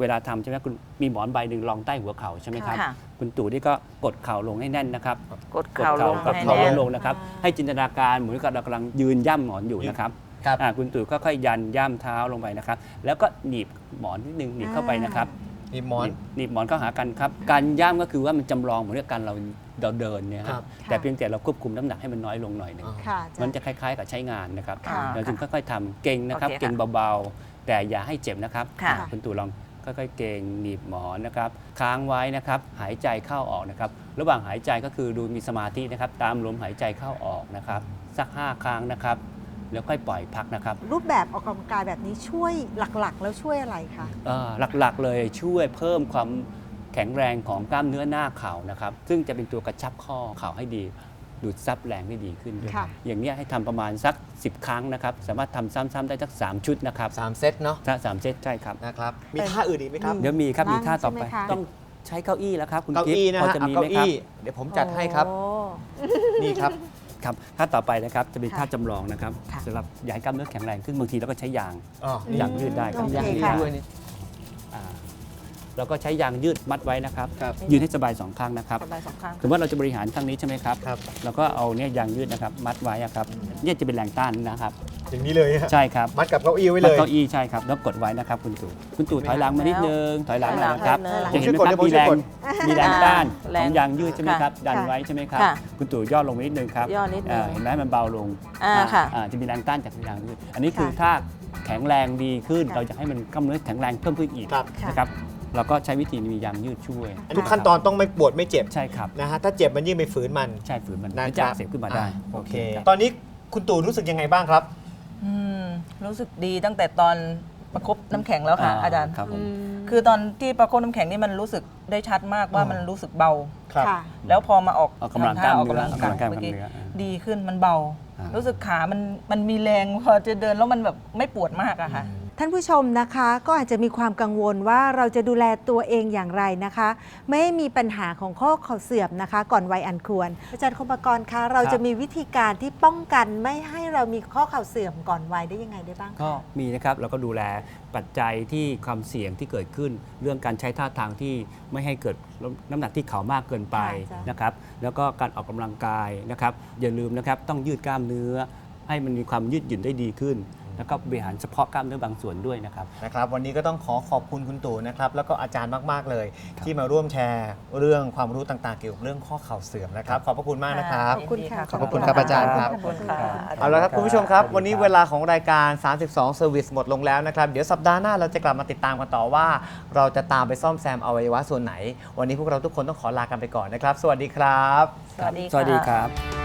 Speaker 3: เวลาทำใช่ไหมคุณมีหมอนใบหนึ่งรองใต้หัวเข่าใช่ไหมครับ
Speaker 5: ค่ะ
Speaker 3: คุณตู่นี่ก็กดเข่าลงให้แน่นนะครับ
Speaker 5: กดเข่าลง
Speaker 3: กด
Speaker 5: ให้
Speaker 3: เข่า
Speaker 5: แน่น
Speaker 3: ลงนะครับ ให้จินตนาการเหมือนกับเรากำลังยืนย่ำหมอนอยู่นะครับ
Speaker 1: ครับ
Speaker 3: อ่าคุณตู่ก็ค่อยยันย่ำเท้าลงไปนะครับ แล้วก็หนีบหมอนนิดนึงหนีบเข้าไปนะครับ
Speaker 1: มีหมอน
Speaker 3: หนีบหนีบหมอนเข้าหากันครับ การย่ำก็คือว่ามันจำลองเหมือนกับการเราเราเดินเนี่ยค
Speaker 1: ครั
Speaker 3: รับ
Speaker 1: บ
Speaker 3: แต่เพียงแต่เราควบคุมน้ำหนักให้มันน้อยลงหน่อยหนึง
Speaker 1: อ๋อ
Speaker 2: ค่ะอาจารย์
Speaker 3: มันจะคล้ายๆกับใช้งานนะครับ
Speaker 5: ค่ะ
Speaker 3: เราจึงค่อยๆทำเก่งนะครับ
Speaker 5: โอเคค่ะ
Speaker 3: เก่งเบาๆ แต่อย่าให้เจ็บนะครับ
Speaker 5: ค่ะ
Speaker 3: คุณตู่ลองค่อยๆเก่งหนีบหมอนนะครับ ค้างไว้นะครับ หายใจเข้าออกนะครับ ระหว่างหายใจก็คือดูมีสมาธินะครับ ตามลมหายใจเข้าออกนะครับ สักห้าครั้งนะครับ แล้วค่อยปล่อยพักนะครับ
Speaker 2: รูปแบบออกกำลังกายแบบนี้ช่วยหลักๆ แล้วช่วยอะไรคะ
Speaker 3: เอ่อหลักๆเลยช่วยเพิ่มความแข็งแรงของกล้ามเนื้อหน้าเข่านะครับ ซึ่งจะเป็นตัวกระชับข้อเข่าให้ดี ดูดซับแรงได้ดีขึ้นด้วย
Speaker 2: ค่ะ
Speaker 3: อย่างเนี้ยให้ทำประมาณสัก สิบ ครั้งนะครับ สามารถทำซ้ำๆได้สักสามชุดนะครับ
Speaker 1: สามเซตเนาะ
Speaker 3: ถ้าสามเซตใช่ครับ
Speaker 1: นะครับ มีท่าอื่นอีกไหมครับ
Speaker 3: เดี๋ยวมีครับ
Speaker 2: นั่ง
Speaker 3: มีท่าต่อไป
Speaker 2: ใช่ไหมคะ
Speaker 3: ต้องใช้เก้าอี้แล้วครับคุณ
Speaker 1: เก้า
Speaker 3: กิ๊ฟ
Speaker 1: อี้นะ
Speaker 3: พอ
Speaker 1: ฮะ
Speaker 3: จะ
Speaker 1: เอา
Speaker 3: มีไหม
Speaker 1: เก้า
Speaker 3: ครับ
Speaker 1: อี้ เดี๋ยวผมจัดให้ครับ
Speaker 2: โอ้
Speaker 1: นี่ครับ
Speaker 3: ครับท่าต่อไปนะครับจะเป็น
Speaker 2: ค่ะ
Speaker 3: ท่าจำลองนะครับ
Speaker 2: ค่ะ
Speaker 3: สำหรับอยากให้กล้ามเนื้อแข็งแรงขึ้นบางทีเราก็ใช้ยาง
Speaker 1: อ๋อ
Speaker 3: ยางยืดได้ครับ
Speaker 2: โอเค
Speaker 3: ยางยืด
Speaker 2: ค่ะ
Speaker 3: ด้วยนี่อ่าเราก็ใช้ยางยืดมัดไว้นะครับ
Speaker 1: ครับ
Speaker 3: ยืดให้สบายสองข้างนะครับ
Speaker 5: สบายสองข้าง
Speaker 3: สมมติว่าเราจะบริหารข้างนี้ใช่ไหมครับ
Speaker 1: ครับ
Speaker 3: แล้วก็เอาเนี่ยยางยืดนะครับมัดไว้อะครับเนี่ยจะเป็นแรงต้านนะครับ
Speaker 1: อย่างนี้เลยฮะ
Speaker 3: ใช่ครับ
Speaker 1: มัดกับเก้าอี้ไว้
Speaker 3: มั
Speaker 1: เล
Speaker 3: ด
Speaker 1: ย
Speaker 3: เก้าอี้ใช่ครับแล้วกดไว้นะครับคุณตู่คุณตู่ถอยหลังมานิดนึงถอยหลังหน่อยนะครับ
Speaker 5: ถอยหลัง
Speaker 3: จะเห็นไหมครับ
Speaker 1: ผม
Speaker 3: มี
Speaker 1: ช่
Speaker 3: แร
Speaker 1: วย
Speaker 3: ง
Speaker 1: กด
Speaker 3: มีแรงต้าน
Speaker 5: แร
Speaker 3: ของ งยางยืดใช่ไหมครับดัน
Speaker 2: ค่ะ
Speaker 3: ไว้ใช่ไหมครับ
Speaker 5: ค่ะ
Speaker 3: คุณตู่ย่อลงมานิดนึงครับ
Speaker 5: ย่อนิดนึง
Speaker 3: าเห็นไหมมันเบาลง
Speaker 5: อ่าค่ะ
Speaker 3: อ่าจะมีแรงต้านจากยางยืดอันนี้คือ
Speaker 2: ค่ะ
Speaker 3: ถ้าแข็งแรงดีขึ้น
Speaker 2: ค่ะ
Speaker 3: เราจะให้มันกล้ามเนื้อแข็งแรงเพิ่มขึ้นอีก
Speaker 1: ครับ
Speaker 3: นะครับเราก็ใช้วิธีมียางยืดช่วย
Speaker 1: อันนี้ขั้นตอนต้องไม่ปวดไม่เจ็บ
Speaker 3: ใช่ครับ
Speaker 1: นะฮะ ถ้าเจ็บมันยิ่งไปฝืนมัน
Speaker 3: ใช่ฝืนมัน
Speaker 1: นะ
Speaker 3: มัน
Speaker 1: ค
Speaker 3: จะ
Speaker 1: รับ
Speaker 3: อักเสบขึ้นมาได้
Speaker 1: อ่โอเค
Speaker 3: ครับ
Speaker 1: ตอนนี้คุณตู่รู้สึกยังไงบ้างครับ
Speaker 5: อืมรู้สึกดีตั้งแต่ตอนประคบน้ำแข็งแล้วค่ะอาจารย์
Speaker 3: ครับผม
Speaker 5: คือตอนที่ประคบน้ำแข็งนี่มันรู้สึกได้ชัดมากว่า
Speaker 1: อ๋อ
Speaker 5: มันรู้สึกเบา
Speaker 1: ครับ
Speaker 2: ค่ะ
Speaker 5: แล้วพอมาออก
Speaker 3: ออกกำลัง
Speaker 5: ทำท่
Speaker 3: กล้าม
Speaker 5: ออก
Speaker 3: เนื้อก
Speaker 5: ำลังกาย
Speaker 3: ออกกำลังกาย
Speaker 5: เมื่อกี้
Speaker 3: กล้ามเนื้ออ่า
Speaker 5: ดีขึ้นมันเบา
Speaker 3: อ่ารู้
Speaker 5: รู้สึกขามันมันมีแรงพอจะเดินแล้วมันแบบไม่ปวดมากอะค่ะ
Speaker 2: ท่านผู้ชมนะคะก็อาจจะมีความกังวลว่าเราจะดูแลตัวเองอย่างไรนะคะ ไม่ให้มีปัญหาของข้อเข่าเสื่อมนะคะ ก่อนวัยอันควร อาจารย์คมปกรณ์คะเราจะมีวิธีการที่ป้องกันไม่ให้เรามีข้อเข่าเสื่อมก่อนวัยได้ยังไงได้บ้างคะ
Speaker 3: ก็มีนะครับเราก็ดูแลปัจจัยที่ความเสี่ยงที่เกิดขึ้น เรื่องการใช้ท่าทางที่ไม่ให้เกิดน้ำหนักที่เข่ามากเกินไป
Speaker 2: ค่ะ
Speaker 3: นะครับแล้วก็การออกกำลังกายนะครับอย่าลืมนะครับต้องยืดกล้ามเนื้อ ให้มันมีความยืดหยุ่นได้ดีขึ้น แล้วก็บริหารเฉพาะกล้ามเนื้อบางส่วนด้วยนะครับ
Speaker 1: นะครับวันนี้ก็ต้องขอขอบคุณคุณตู่นะครับแล้วก็อาจารย์มาก ๆ เลย ที่มาร่วมแชร์เรื่องความรู้ต่าง ๆ เกี่ยวกับเรื่องข้อเข่าเสื่อมนะครับ ขอบพระคุณมากนะครับ
Speaker 2: ขอบคุณค่ะ
Speaker 1: ขอบคุณครับอาจารย์ครับ
Speaker 5: ขอบคุณค่ะ
Speaker 1: เอาละครับคุณผู้ชมครับ
Speaker 3: สวัสดีครับ
Speaker 1: วันนี้เวลาของรายการ สามสิบสอง Service หมดลงแล้วนะครับ เดี๋ยวสัปดาห์หน้าเราจะกลับมาติดตามกันต่อว่า เราจะตามไปซ่อมแซมอวัยวะส่วนไหน วันนี้พวกเราทุกคนต้องขอลากันไปก่อนนะครับ สวัสดีครับ
Speaker 5: สวัสดีค่ะ
Speaker 3: สวัสดีครับ